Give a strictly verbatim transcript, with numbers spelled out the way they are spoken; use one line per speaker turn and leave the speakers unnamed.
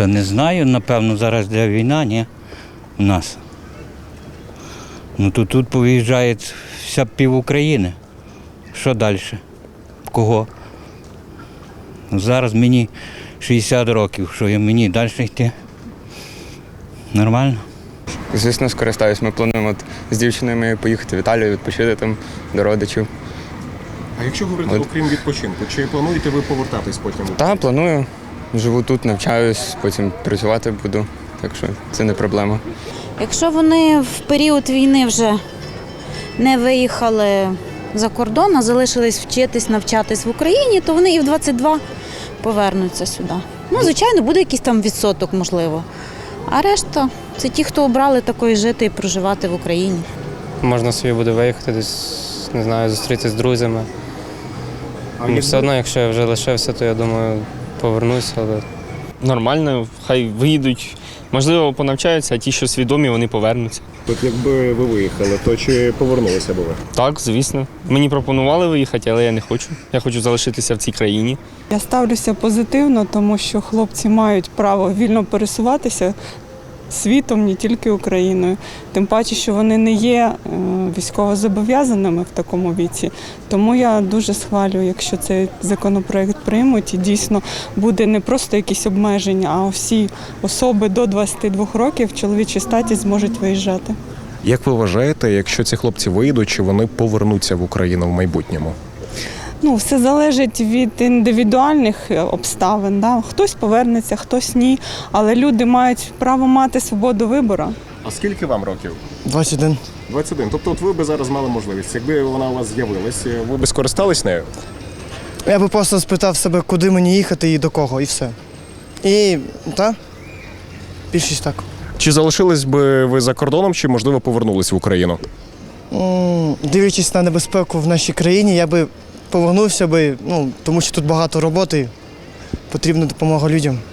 Та не знаю, напевно, зараз де війна, ні, у нас. Ну то тут повиїжджає вся пів України. Що далі? Кого? Ну, зараз мені шістдесят років, що я мені далі йти? Нормально?
Звісно, скористаюсь. Ми плануємо от з дівчиною моєю поїхати в Італію, відпочити там до родичів.
А якщо говорити,
От.
окрім відпочинку, чи плануєте ви повертатись потім?
Так, планую. Живу тут, навчаюсь, потім працювати буду, так що це не проблема.
Якщо вони в період війни вже не виїхали за кордон, а залишились вчитись, навчатись в Україні, то вони і в двадцять два повернуться сюди. Ну, звичайно, буде якийсь там відсоток, можливо. А решта – це ті, хто обрали такою жити і проживати в Україні.
Можна собі буде виїхати десь, не знаю, зустрітися з друзями.
А
Ну,
як
все одно, якщо я вже лишився, то я думаю, повернуся. Але
Нормально, хай виїдуть. Можливо, понавчаються, а ті, що свідомі, вони повернуться.
От якби ви виїхали, то чи повернулися б ви?
Так, звісно. Мені пропонували виїхати, але я не хочу. Я хочу залишитися в цій країні.
Я ставлюся позитивно, тому що хлопці мають право вільно пересуватися світом, не тільки Україною. Тим паче, що вони не є військовозобов'язаними в такому віці. Тому я дуже схвалюю, якщо цей законопроект приймуть і дійсно буде не просто якісь обмеження, а всі особи до двадцяти двох років в чоловічій статі зможуть виїжджати.
Як ви вважаєте, якщо ці хлопці виїдуть, чи вони повернуться в Україну в майбутньому?
Ну, все залежить від індивідуальних обставин. Да? Хтось повернеться, хтось ні. Але люди мають право мати свободу вибору.
А скільки вам років?
двадцять один.
двадцять один. Тобто от ви б зараз мали можливість. Якби вона у вас з'явилась, ви б скористались нею?
Я би просто спитав себе, куди мені їхати і до кого, і все. І, так, більшість так.
Чи залишились би ви за кордоном, чи, можливо, повернулись в Україну?
М, Дивлячись на небезпеку в нашій країні, я би повернувся би, ну, тому що тут багато роботи, потрібна допомога людям.